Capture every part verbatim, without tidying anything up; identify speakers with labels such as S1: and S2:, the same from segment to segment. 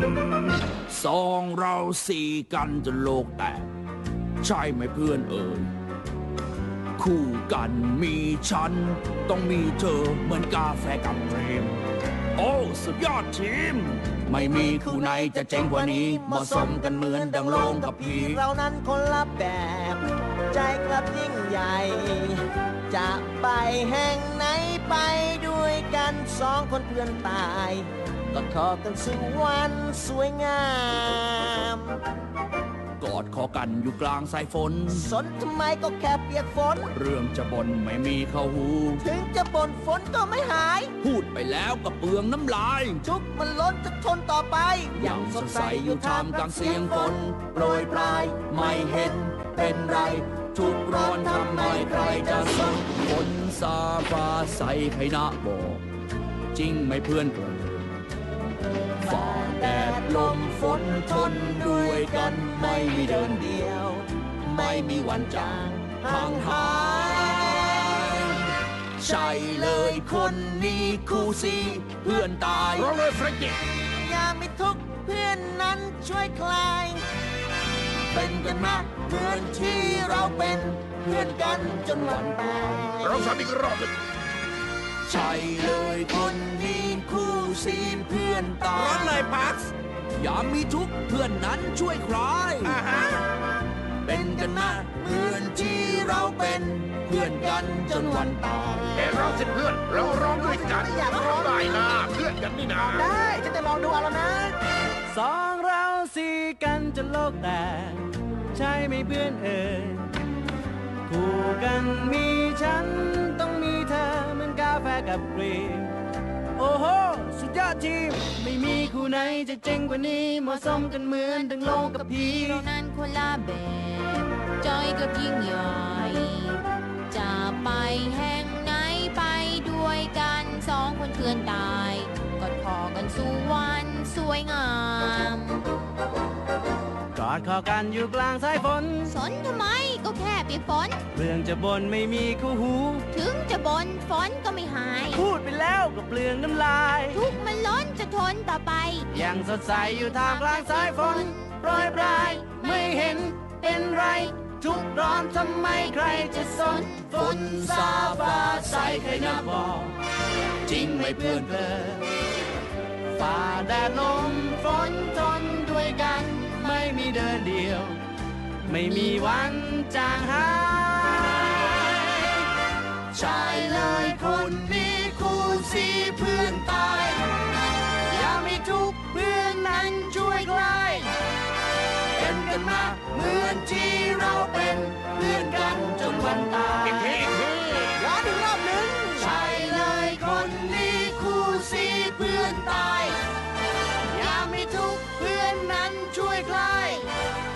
S1: สองเราสี่กันจนโลกแตกใช่ไหมเพื่อนเอ่ยคู่กันมีฉันต้องมีเธอเหมือนกาแฟกับเรมโอ้สุดยอดทีมไม่มีคู่ไหนจะเจ๋งกว่านี้เหมาะสมกันเหมือนดังโลงกับผี
S2: เรานั้นคนละแบบใจกลับยิ่งใหญ่จะไปแห่งไหนไปด้วยกันสองคนเพื่อนตายกอดคอกันสู่วันสวยงาม
S1: กอดคอกันอยู่กลางสายฝน
S2: สนทำไมก็แค่เปียกฝน
S1: เรื่องจะบ่นไม่มีเข้าหู
S2: ถึงจะบ่นฝนก็ไม่หาย
S1: พูดไปแล้วก็เปลืองน้ำลาย
S2: ทุกมันล้นจะทนต่อไป
S1: ยังสดใสอยู่ท่ามกลางเสียงฝนโปรยปลายไม่เห็นเป็นไรทุกร้อนทำไมใครจะสนฝนซาฟ้าใสใครนะบอกจริงไหมเพื่อนเกินฝ่าแดดลมฝนทนด้วยกันไม่มีเดินเดียวไม่มีวันจางห่างหายใช่เลยคนนี้คู่ซีเพื่อนตาย
S3: เราเลยเฟรนกี้
S2: อย่ามีทุกข์เพื่อนนั้นช่วยคลายเป็นกันมากเหมือนที่เราเป็นเพื่อนกันจนวันตาย
S3: เราทำอีกรอบหนึ่ง
S1: ใช่เลยคนนี้คู่ซีเพื่อนตาย
S3: ร้อนเลยพัก
S1: อย่ามีทุกข์เพื่อนนั้นช่วยคลายเป็นกันมาเหมือนที่เราเป็นเพื่อนกันจนวันตาย
S3: แต่เราสิเพื่อนเราร้องด้วยกันร้องได้นะเพื่อนกันนี่นะ
S2: ได้ฉันจะลองดูเอาแล้วนะ
S4: สองเราสี่กันจนโลกแตกใช่ไหมเพื่อนเอ่ยคู่กันมีฉันต้องมีเธอเหมือนกาแฟกับครีมโอ้โหสุดยอดทีมไม่มีคู่ไหนจะเจ๋งกว่านี้เหมาะสมกันเหมือนดังโลกกับผี
S5: เรานั้นคนละแบบจอยกับยิ่งใหญ่จะไปแห่งไหนไปด้วยกันสองคนเพื่อนตายกอดคอกันสู่วันสวยงาม
S4: กอดคอกันอยู่กลางสายฝน
S5: สนทำไมก็แค่เปียกฝน
S4: เรื่องจะบ่นไม่มีคู่หู
S5: ถึงจะบ่นฝนก็ไม่หาย
S4: พูดไปแล้วก็เปลืองน้ำลาย
S5: ทุกมันล้นจะทนต่อไป
S4: ยังสดใสอยู่ท่ามกลางสายฝนโปรยปลายไม่เห็นเป็นไรทุกร้อนทำไมใครจะสน
S1: ฝนซาฟ้าใสใครนะบอกจริงไหมเพื่อนเพื่อน
S4: ฝ่าแดดลมฝนทนด้วยกันไม่มีเดินเดียวไม่มีวันจางหาย
S1: ใช่เลยคนนี้คู่ซีเพื่อนตาย
S4: อย่ามีทุกข์เพื่อนนั้นช่วยคลาย
S1: เป็นกันมาเหมือนที่เราเป็นเพื่อนกันจนวันตาย
S3: อีกทีอีกที
S2: ย้อนอีกรอบหนึ่ง
S1: ใช่เลยคนนี้คู่ซีเพื่อนตาย
S4: อย่ามีทุกข์เพื่อนนั้นช่วยคลาย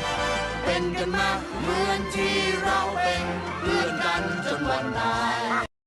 S1: เป็นกันมาเหมือนที่เราเป็นเพื่อนกันจนวันตาย